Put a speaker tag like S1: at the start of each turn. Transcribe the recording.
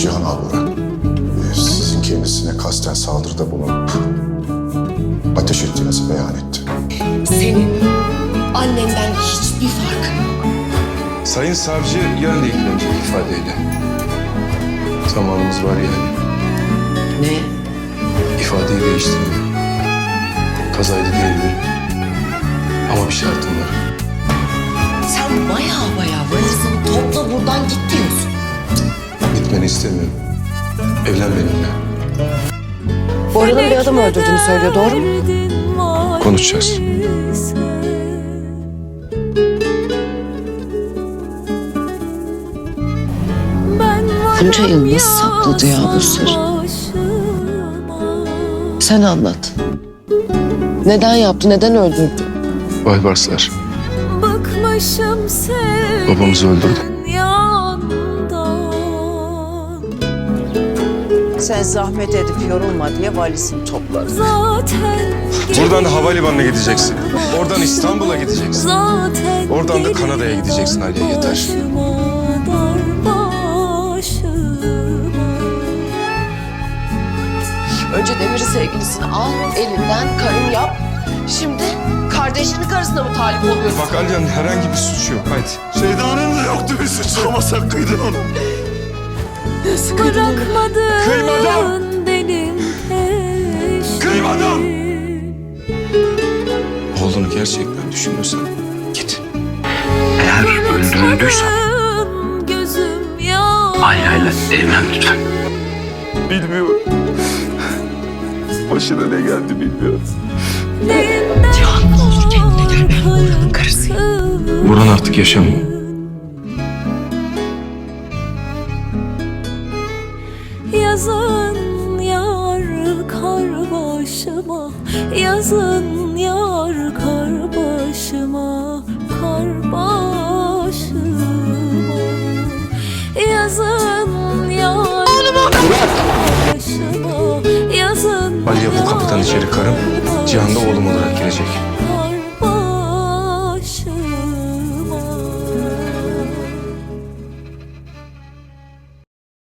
S1: Cihan Alvur'a sizin kendisine kasten saldırıda bulunup ateş ettiğinizi beyan etti.
S2: Senin annenden hiçbir farkın yok.
S3: Sayın savcı yarın ilgilenecek ifadeyle. Zamanımız var yani.
S2: Ne?
S3: İfadeyi değiştirmiyor. Kazaydı diyebilirim. Ama bir şartım var.
S2: Sen baya valizini topla buradan git diyorsun.
S3: Gitmeni istemiyorum. Evlen benimle.
S2: Bora'nın bir adam öldürdüğünü söylüyor, doğru mu?
S3: Konuşacağız.
S2: Bunca yıl nasıl sakladı ya bu sırrı? Sen anlat. Neden yaptı, neden öldürdü?
S3: Baybarslar. Babamızı öldürdü.
S4: Sen zahmet edip yorulma diye valizini toplar.
S3: Buradan da havalimanına gideceksin. Oradan İstanbul'a gideceksin. Oradan da Kanada'ya gideceksin Aliye, yeter.
S2: Önce Demir'i sevgilisini al, elinden karın yap. Şimdi kardeşinin karısına mı talip oluyorsun?
S3: Bak Aliye'nin herhangi bir suçu yok. Haydi.
S1: Şeydanın da yoktu bir suçu ama sen kıydın onu.
S2: Nasıl kıydın onu?
S3: Kıymadım!
S5: Benim
S3: Kıymadım! Oğlunu gerçekten düşünüyorsan git.
S6: Eğer öldürüldüysem Alya'yla evlen lütfen.
S3: Bilmiyorum. Başına ne geldi bilmiyorum.
S2: Cihan, ne olur kendine gel, ben Bora'nın karısıyım.
S3: Buran artık yaşamıyor.
S5: Yazın yar kar başıma, yazın yar kar başıma, kar başıma. Yazın yar başıma, yazın.
S3: Aliye bu kapıdan içeri karım, Cihan da oğlum olarak girecek.